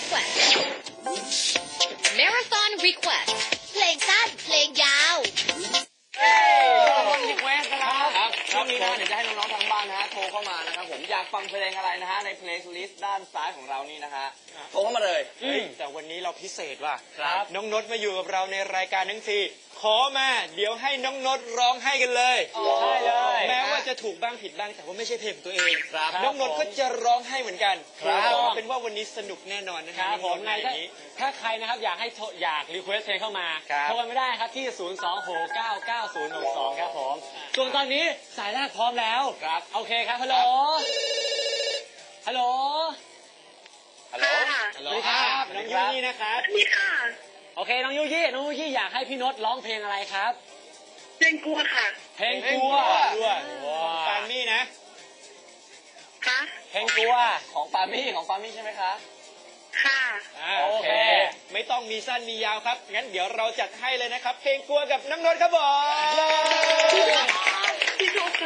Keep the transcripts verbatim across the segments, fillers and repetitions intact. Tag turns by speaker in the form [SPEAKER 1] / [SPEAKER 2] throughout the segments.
[SPEAKER 1] Request Marathon Request เพลงสั้นเพลงยาว
[SPEAKER 2] รีเควสนะครับช่วงนี้นะเดี๋ยวจะให้น้องๆทางบ้านนะฮะโทรเข้ามานะครับผมอยากฟังเพลงอะไรนะฮะในเพลย์ลิสต์ด้านซ้ายของเรานี่นะฮะโทรเข้ามาเลย
[SPEAKER 3] แต่วันนี้เราพิเศษว่ะ
[SPEAKER 2] ครับ
[SPEAKER 3] น้องนดมาอยู่กับเราในรายการทั้งทีขอมาเดี๋ยวให้น้องนดร้องให้กันเลย
[SPEAKER 2] ใช่เลย
[SPEAKER 3] แม้ว่าจะถูกบ้างผิดบ้างแต่ว่าไม่ใช่เพลงของตัวเอง
[SPEAKER 2] ครับ
[SPEAKER 3] น้องนดก็จะร้องให้เหมือนกัน
[SPEAKER 2] ครับ
[SPEAKER 3] เป็นว่าวันนี้สนุกแน่นอนนะค
[SPEAKER 4] ค
[SPEAKER 3] รั
[SPEAKER 4] รั
[SPEAKER 3] บบ
[SPEAKER 4] ผมไง
[SPEAKER 3] ใน
[SPEAKER 4] ถ้า
[SPEAKER 3] นี้
[SPEAKER 4] ถ้าใครนะครับอยากให้อยากรีเควสเพลงเข้ามา
[SPEAKER 3] ครับ
[SPEAKER 4] โทรกันไม่ได้ครับที่ ศูนย์ สอง หก เก้า เก้า ศูนย์ หก สอง ครับผมส่วนตอนนี้สายแรกพร้อมแล้ว
[SPEAKER 2] ครับ
[SPEAKER 4] โอเคครับฮัลโหลฮัลโหล
[SPEAKER 2] ฮัลโหล
[SPEAKER 4] สวัสดีครับ
[SPEAKER 3] น้องยูนี่นะครับ
[SPEAKER 5] นี่ค่ะ
[SPEAKER 4] โอเคน้องยูยี่น้องยูยี่อยากให้พี่นดร้องเพลงอะไรครับ
[SPEAKER 5] เพลงกลัวค่ะ
[SPEAKER 4] เพลงกลัว
[SPEAKER 3] ด้วยปามี่นะ
[SPEAKER 5] คะ
[SPEAKER 4] เพลงกลัว
[SPEAKER 2] ของปามี่ของปามี่ใช่ไหมคะ
[SPEAKER 5] ค่ะ
[SPEAKER 3] อ่า
[SPEAKER 4] โอ
[SPEAKER 3] โอ
[SPEAKER 4] เค
[SPEAKER 3] เค ไม่ต้องมีสั้นมียาวครับงั้นเดี๋ยวเราจัดให้เลยนะครับ เพลงกลัวกับน้องนดครับผม
[SPEAKER 5] พี่โจ๊กคะ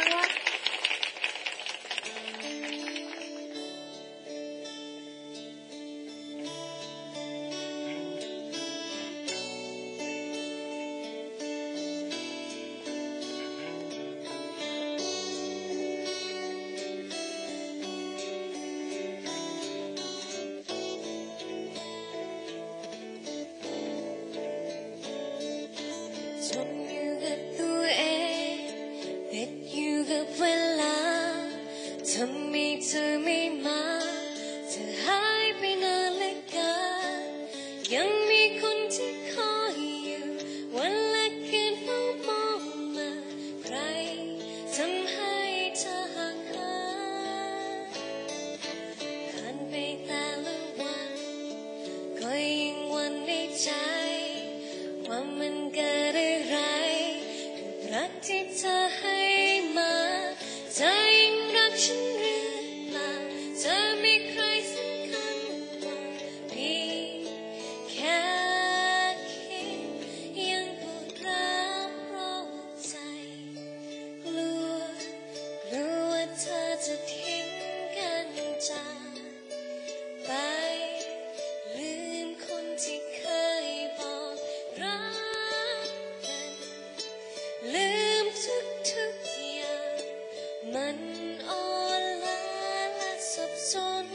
[SPEAKER 6] จมอยู่กับตัวเองติดอยู่กับเวลาทำไมเธอไม่มาเธอหายไปนานเหลือเกินยังมีคนที่คอยอยู่วันละคืนเฝ้ามองมาใครทำให้เธอห่างหายผ่านไปแต่ละวันก็ยิ่งหวันในใจว่ามันเกิดอะไรกับรักที่เธอให้มาเธอยิ่งรักฉันหรือเปล่าเธอมีใครสำคัญกว่าพี่แค่คิดยังปวดร้าวเพราะใจกลัวกลัวว่าเธอจะทิ้งกันจากไปลืมคนที่เคยบอกรักกันลืมทุกทุกอย่างมันอ่อนล้าและสับสน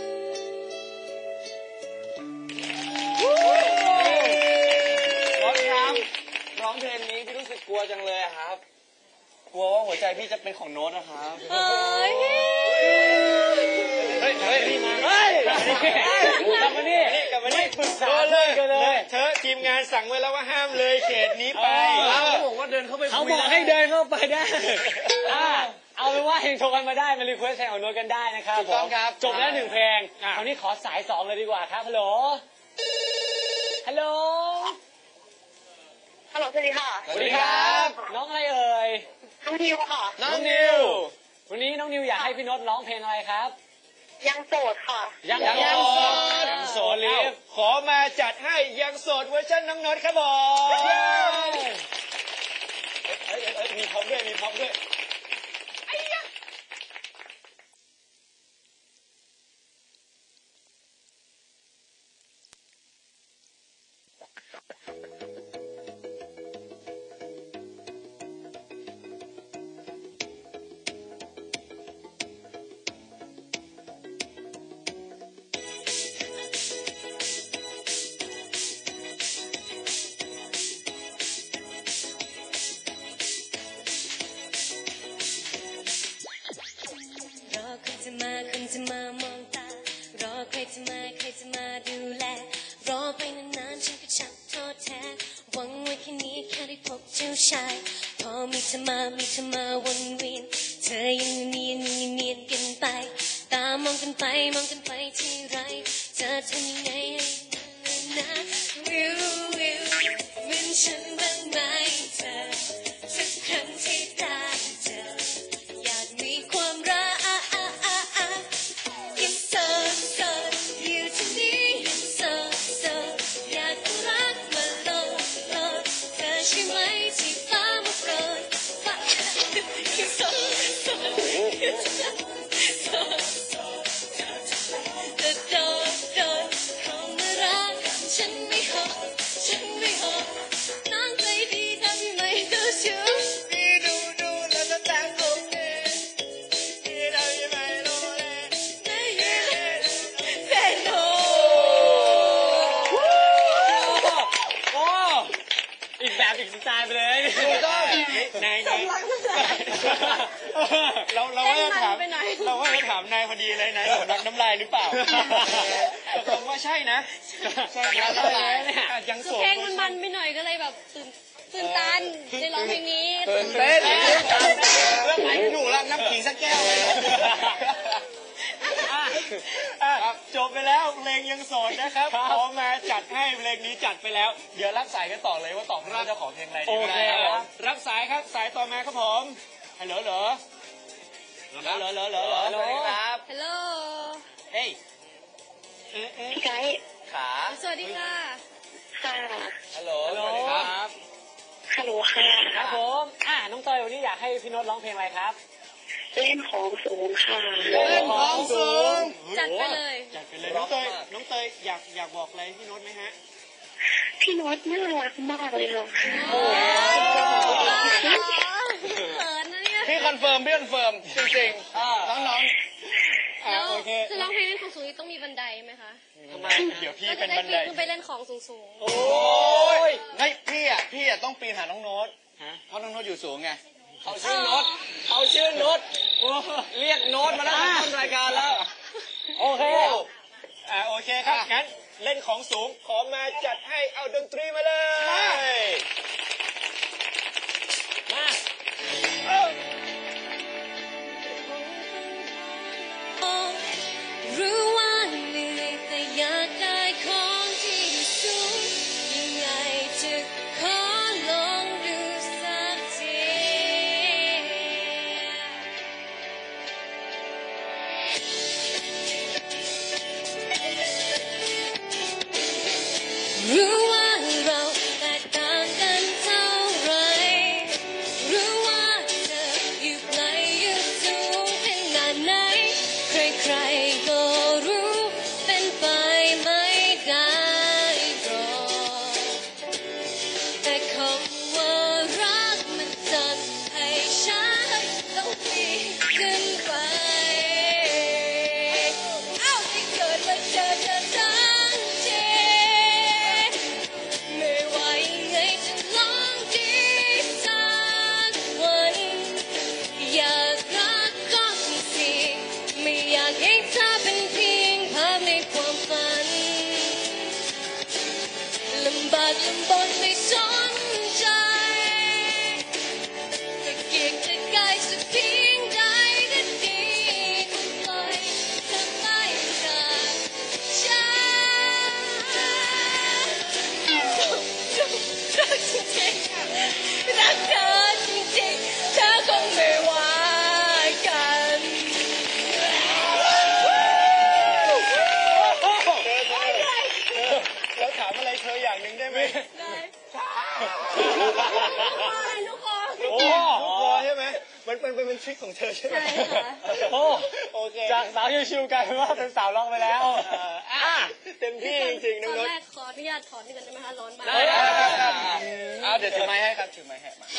[SPEAKER 2] รถครับร้องเพลงนี้พี่รู้สึกกลัวจังเลยอะครับ กลัวว่าหัวใจพี่จะเป็นของโน้ตนะครับ
[SPEAKER 6] เฮ้ย
[SPEAKER 3] เฮ้ยเฮ้ย
[SPEAKER 4] เฮ้ยกลับมานี่
[SPEAKER 3] กลับมานี่
[SPEAKER 4] ปรึกษา
[SPEAKER 3] โดน
[SPEAKER 4] เพื่อนกันเลย
[SPEAKER 3] เธอทีมงานสั่งไว้แล้วว่าห้ามเลยเขตนี้ไป
[SPEAKER 2] เขาบอกว่าเดินเข้าไปคุย
[SPEAKER 4] เขาบอกให้เดินเข้าไปได้อ่าเอาเป็นว่าเฮงโทรกันมาได้มารีเควสเพลงของโน้ตกันได้นะครับ
[SPEAKER 2] ถูกต้องครับ
[SPEAKER 4] จบแล้วหนึ่งเพลงคราวนี้ขอสายสองเลยดีกว่าครับฮัลโหลฮัลโหล
[SPEAKER 5] ฮัลโหลสวัสดีค่ะ
[SPEAKER 2] สวัสดีครับ
[SPEAKER 4] น้องอะไรเอ่ย
[SPEAKER 5] น้องนิวค่ะ
[SPEAKER 2] น้องนิว
[SPEAKER 4] วันนี้น้องนิวอยากให้พี่โน้ตร้องเพลงอะไรครับ
[SPEAKER 5] ยังโสดค่ะ
[SPEAKER 4] ยัง
[SPEAKER 3] ยัง
[SPEAKER 4] ยัง
[SPEAKER 3] โส
[SPEAKER 4] โส
[SPEAKER 3] ด
[SPEAKER 4] ด
[SPEAKER 3] ยังโสดลิฟขอมาจัดให้ยังโสดเวอร์ชันน้องนดครับผม
[SPEAKER 4] เย้
[SPEAKER 3] เอ้ยเอ้ยเอ้ยมีพ็อปด้วยมีพ็อปด้วย
[SPEAKER 6] รอคนจะมาคนจะมามองตารอใครจะมาใครจะมาดูแลรอไปนานๆฉันก็ชักท้อแท้หวังไว้แค่นี้แค่ได้พบเจ้าชายพอมีเธอมามีเธอมาวนเวียนเธอยังเนียนยังเนียนกันไปตามองกันไปมองกันไปที่ไรจะทำยังไงให้นะวิววิวเป็นฉันบ้างไหมเธอสักครั้งที่ตาเจออยากมีความรักยังโสดโสดอยู่ที่นี่ยังโสดโสดอยากรักมาโลดโลดเธอใช่ไหมที่ฟ้ามาโปรดฟ้ายังโสดโสดยังโสดโสดจะโดดโดดเข้า
[SPEAKER 4] บอีกสไตล์ไปเลย
[SPEAKER 2] ถูกต้อง
[SPEAKER 3] นายนายเราเราว่าจะถามเราว่าจะถามนายพอดีเลยนายสำลักน้ำลายหรือเปล่าตรงว่าใช่นะใช่ครับยังโสด
[SPEAKER 6] เพลงมันมันไปหน่อยก็เลยแบบตื่นตื่นตันในร้องเพลงนี้
[SPEAKER 2] ตื่นเต้นเรื่องไหนไม่ถูกแล้วน้ำขิงสักแก้วเลย
[SPEAKER 3] จบไปแล้วเพลงยังโสดนะครับขอมาจัดให้เพลงนี้จัดไปแล้ว เดี๋ยวรับสายกันต่อเลยว่าตอบรับเจ้าของเพลงอะไรดี
[SPEAKER 4] โอเค
[SPEAKER 3] ครับรับสายครับสายต่อมาครับผมฮัลโหลเหรอเหรอเหรอเหรอเหรอเหรอ
[SPEAKER 2] สวัสดีครับ
[SPEAKER 6] ฮัลโหล
[SPEAKER 2] เฮ้ย
[SPEAKER 3] เอ๊ะเอ๊ะ
[SPEAKER 5] พี่ไก่
[SPEAKER 2] ขา
[SPEAKER 6] สวัสดีค่ะ
[SPEAKER 5] ค่ะ
[SPEAKER 2] ฮัลโหลสวัสดีครับ
[SPEAKER 5] ฮัลโหลค่ะ
[SPEAKER 4] ครับผมอ่าน้องเตยวันนี้อยากให้พี่โน้ตร้องเพลงอะไรครับ
[SPEAKER 5] เล่นของสูงค่ะ
[SPEAKER 2] เล่นของสูง
[SPEAKER 6] จัดไปเลย
[SPEAKER 3] จัดไปเลยน้องเตยน้องเตยอยากอยากบอกอะไรพี่โน้ตไหมฮะ
[SPEAKER 5] พี่โน้ตน่ารักมากเลยค่ะ
[SPEAKER 6] โอ้โหเขินนะเนี่ย
[SPEAKER 2] พี่คอนเฟิร์มพี่คอนเฟิร์มจริงๆน้อง
[SPEAKER 3] อ่า
[SPEAKER 6] แล้ว
[SPEAKER 3] โอเค
[SPEAKER 6] คือร้องเพลงเล่นของสูงนี่ต้องมีบันไดไหมคะ
[SPEAKER 2] ๆทำไม
[SPEAKER 3] เดี๋ยวพี่
[SPEAKER 6] ก็
[SPEAKER 3] เป็
[SPEAKER 6] จะ
[SPEAKER 3] น
[SPEAKER 6] ได้
[SPEAKER 3] บันได
[SPEAKER 6] ปีนขึ้นไปเล่นของสูง
[SPEAKER 3] โอ้
[SPEAKER 2] โอ้
[SPEAKER 3] ย
[SPEAKER 2] ยไม่พี่อ่ะพี่อ่ะต้องปีนหาน้องโน้ต
[SPEAKER 3] ฮะ
[SPEAKER 2] เพราะน้องโน้ตอยู่สูงไงเขาชื่อโน้ตเขาชื่อโน้ตเรียกโน้ตมาแล้วต้นรายการแล้ว
[SPEAKER 4] โอเค
[SPEAKER 3] อ่าโอเคครับงั้นเล่นของสูงขอมาจัดให้เอาดนตรีมาเลย
[SPEAKER 4] มา
[SPEAKER 6] ๆรู้ว่าเหนื่อยแต่อยากได้ของที่สูงยังไงจะขอลองดูสักที รู้ว่าเราแตกต่างกันเท่าไร รู้ว่าเธออยู่ไกลอยู่สูงขนาดไหน ใครๆก็รู้เป็นไปไม่ได้หรอกแต่คำว่ารักมันจัดให้ฉันต้องปีนขึ้นไป เอ้าที่เกิดมาเจอเธอทั้งที ไม่ว่ายังไงจะลองดีสักวัน อยากรักก็สิไม่อยากให้เธอเป็นเพียงภาพในความฝัน ลำบากลำบนไม่สนใจจะเกียกจะกายสักเพียงใดก็ดีปล่อยเธอไปจากฉัน รักจริงๆรักเธอจริงๆเธอคงไม่ว่ากัน
[SPEAKER 3] แล้วถามอะไรเธออย่างหนึ่งได้ไหม
[SPEAKER 6] ได้ทุกคน
[SPEAKER 3] โอ้โหรอใช่ไหมมันเป็นเป็นทริคของเธอใช่ไหม
[SPEAKER 6] ใช่ค่ะ
[SPEAKER 4] โอ้
[SPEAKER 3] โอเค
[SPEAKER 4] จากสาวชิวๆกลายเป็นว่าเป็นสาวร้องไปแล้ว
[SPEAKER 3] เอ่ออ่ะเต็มที่จริงๆ
[SPEAKER 6] ต
[SPEAKER 3] น้อง
[SPEAKER 6] อน
[SPEAKER 3] นุช
[SPEAKER 6] แรกขออนุญาตถอนนี่กันได้ไหมคะร้อนมาก
[SPEAKER 2] ได้ได้ได้ได้เอาเดี๋ยวถือไม้ให้ครับถือไม้ให้มา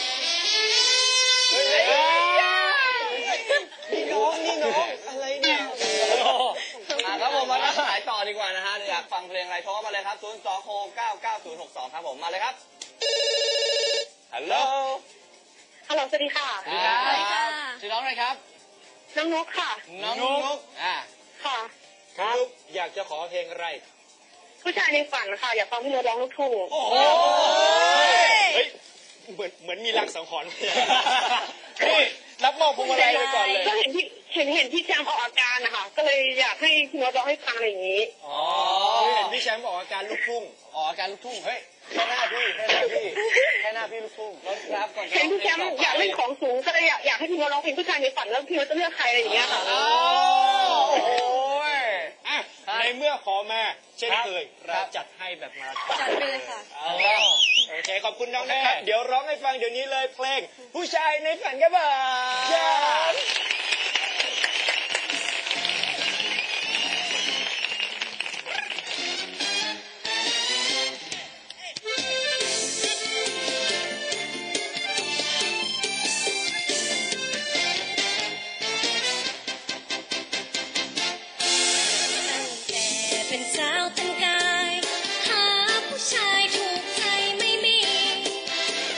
[SPEAKER 3] นี่น้องนี่น้องอะไรเนี่ย
[SPEAKER 2] อ่ะครับผมมารับสายต่อดีกว่านะฮะอยากฟังเพลงอะไรโทรเข้ามาเลยครับศูนย์ สอง หก เก้า เก้า ศูนย์ หก สองครับผมมาเลยครับฮัลโหล
[SPEAKER 5] ฮัลโหลสวัสดีค่ะ
[SPEAKER 2] สวัสดีครับชื่อน้องอะไรครับ
[SPEAKER 5] น้องนกค่ะ
[SPEAKER 2] น้องนุ๊กอ่า
[SPEAKER 5] ค่ะ
[SPEAKER 3] ครับอยากจะขอเพลงอะไร
[SPEAKER 5] ผู้ชายในฝันค่ะ อยากฟังพี่โน้ตร้องลูกทุ่ง
[SPEAKER 3] โอ้โหเฮ้ยเหมือนเหมือนมีลังสังหรณ์นี่รับมอบพวงมาลัยไปก่อนเลย
[SPEAKER 5] ก็เห็นพี่เห็นเห็นพี่แจมออกอาการนะคะก็เลยอยากให้พี่โน้ตร้องให้ฟังอะไรอย่างนี้
[SPEAKER 3] อ๋อเห็นพี่แชมป์ออกอาการลูกทุ่ง
[SPEAKER 2] อ๋อการลูกทุ่งเฮ้ยแค่หน้าพี่แค่หน้าพี่แค่หน้าพี่ลูกทุ่งรถครับก่อนจะ
[SPEAKER 5] เห็นพี่แชมป์
[SPEAKER 2] ร้งพ
[SPEAKER 5] อยาก
[SPEAKER 2] ต่
[SPEAKER 5] เล่นของสูงก็เลยอยากอยากให้พี่โน้ตร้องเพลงผู้ชายในฝันแล้วพี่โน้ตจะเลือกใครอะไรอย่างเงี้ยค่ะ
[SPEAKER 2] อ๋อโอ้ย
[SPEAKER 3] อ่ะ
[SPEAKER 2] ครับ
[SPEAKER 3] ในเมื่อขอมาเช่นเคย
[SPEAKER 2] ครั
[SPEAKER 3] เรา
[SPEAKER 2] บ
[SPEAKER 3] จัดให้แบบมาราธอน
[SPEAKER 6] จัดไปเลยค่ะ
[SPEAKER 3] เอาละโอเคขอบคุณน้องนะครับ เดี๋ยวร้องให้ฟังเดี๋ยวนี้เลยเพลง ผู้ชายในฝันครับผม
[SPEAKER 6] ตั้งแต่เป็นสาวแต่งกายหาผู้ชายถูกใจไม่มี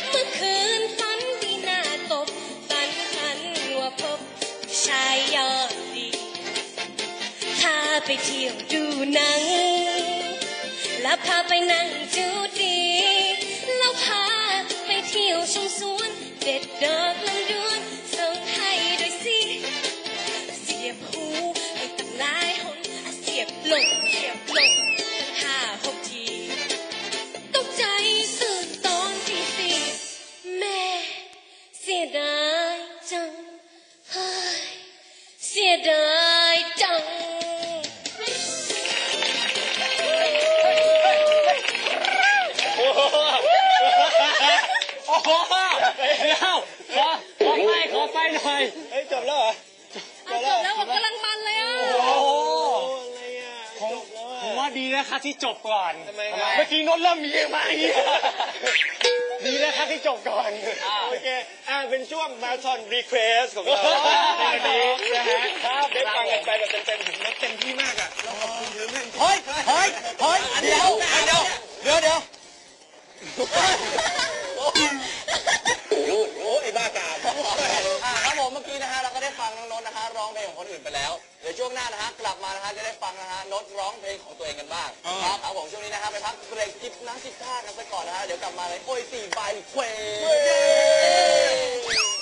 [SPEAKER 6] ไปเที่ยวดูหนังแล้วพาไปนั่งจูดีแล้วพาไปเที่ยวชมสวนเด็ดดอกลำดวนส่งให้ด้วยสิเสียบหูให้ตั้งหลายหนเสียบลงเสียบลงตั้งห้าหกทีตกใจตื่นตอนที่สี่แม่เสียดายจังเฮ้ยเสียดายจัง
[SPEAKER 4] โอ้โหเดี๋ยวขอขอไปขอไปหน่อย
[SPEAKER 3] เฮ้ยจบแล้วเหรอ
[SPEAKER 6] เอาจบแล้วผมกำลังมันเลยอ่ะ
[SPEAKER 4] โอ้โห
[SPEAKER 3] อะไรอ่ะ
[SPEAKER 4] ผม
[SPEAKER 3] จบแล้วอ่ะ
[SPEAKER 4] ผมว่าดีนะครับที่จบก่อน
[SPEAKER 3] ทำไมครับ
[SPEAKER 4] เมื่อกี้นนท์เริ่มมีมาอย่างนี้ดีนะครับที่จบก่อน
[SPEAKER 3] โอเคอ่าเป็นช่วงมาราธอนรีเควสของเราในวันนี้นะฮะครับได้ฟังกันไปแบบเต็มๆถึงเต็มที่มากอ่ะเราขอบคุณเยอะมาก
[SPEAKER 2] เฮ้ยเฮ้ยเฮ้ยเดี๋ยวเดี๋ยวเดี๋ยวเดี๋ยวโอ้ไอ้บ้ากามอ่าครับผมเมื่อกี้นะฮะเราก็ได้ฟังน้องนนท์นะฮะร้องเพลงของคนอื่นไปแล้วเดี๋ยวช่วงหน้านะฮะกลับมานะฮะจะได้ฟังนะฮะนนท์ร้องเพลงของตัวเองกันบ้างครับครับผมช่วงนี้นะฮะไปพักเบรกจิบน้ำจิบท่ากันไปก่อนนะฮะเดี๋ยวกลับมาเลยโอ้ยสี่ใบเคว